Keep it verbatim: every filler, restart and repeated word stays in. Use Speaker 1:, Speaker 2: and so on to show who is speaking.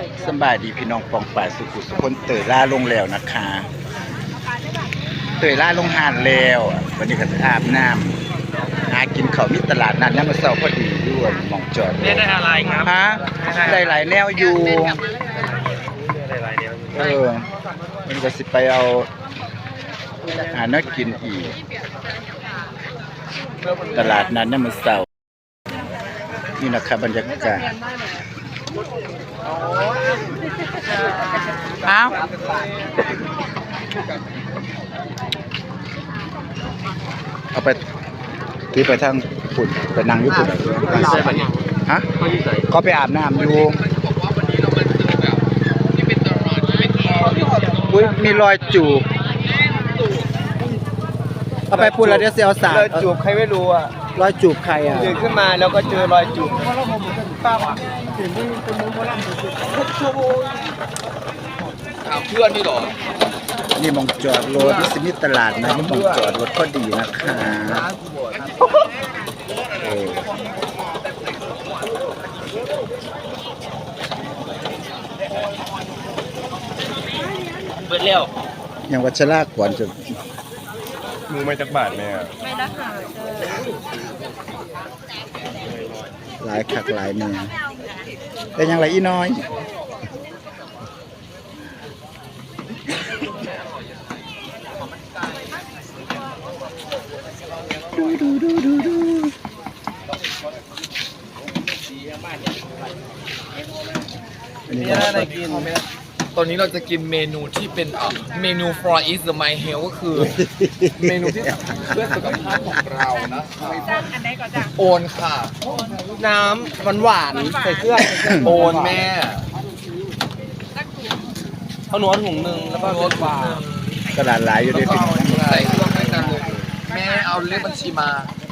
Speaker 1: สบายดีพี่น้องปองป่ายสุขุสุคนเตยล่าลงแล้วนะคะเตยล่าลงหานแล้ววันนี้ก็อาบน้ำหากินข้าวมิตลาดนัดน้ำมาเศร้าพอดีด้วยหมองจอด
Speaker 2: เล่นได้อะไรครับ
Speaker 1: ฮะได้หลายแนวอยู่
Speaker 2: ได้หลายเดียว
Speaker 1: เออมันก็สิไปเอาหาเนื้อกินอีกตลาดนัดน้ำมาเศร้านี่นะครับบรรยากาศอ้าวเอาไปที่ไปทางฝุ่นไปนั่งญี่ปุ่นฮะก็ไปอาบน้ำอยู่อุ้ยมีรอยจูบเอาไปปุ่นแล้วเดี๋ยวเสียวสาร
Speaker 2: รอยจูบใครไม่รู้อ่ะ
Speaker 1: รอยจูบใครอ่ะ
Speaker 2: ตื่นขึ้นมาแล้วก็เจอรอยจูบเพื่อนนี่หรอ
Speaker 1: นี่มองจอดรถที่สมิตลาดนะนี่มองจอดรถก็ดีนะคะเออ
Speaker 2: เบิดเร็ว
Speaker 1: ยังวัชรากก่อนจะ
Speaker 2: มือไม่จักบาทแม่
Speaker 3: ไม่ละค่ะเจอ
Speaker 1: หลายขักหลายแนวแต่ยังไรอีน้อยดูดูดูดูดู
Speaker 2: มีอะไรกินตอนนี้เราจะกินเมนูที่เป็นอ่ะเมนู for is the my health ก็คือ เมนูที่เพื่อสุขภาพของเรานะครับ
Speaker 3: จ้างอันไหนก่อนจ้ะ
Speaker 2: โอนค่ะ น้ำหวานหวานใส่เครื่องโอนแม่เอาหนวดถุงหนึ่งแล้วก็รสหวาน
Speaker 1: กระดาษหลายอยู่ด้วยพี่น้อง
Speaker 2: ใส่เครื่องให้กันเลยแม่เอาเลขบัญชีมา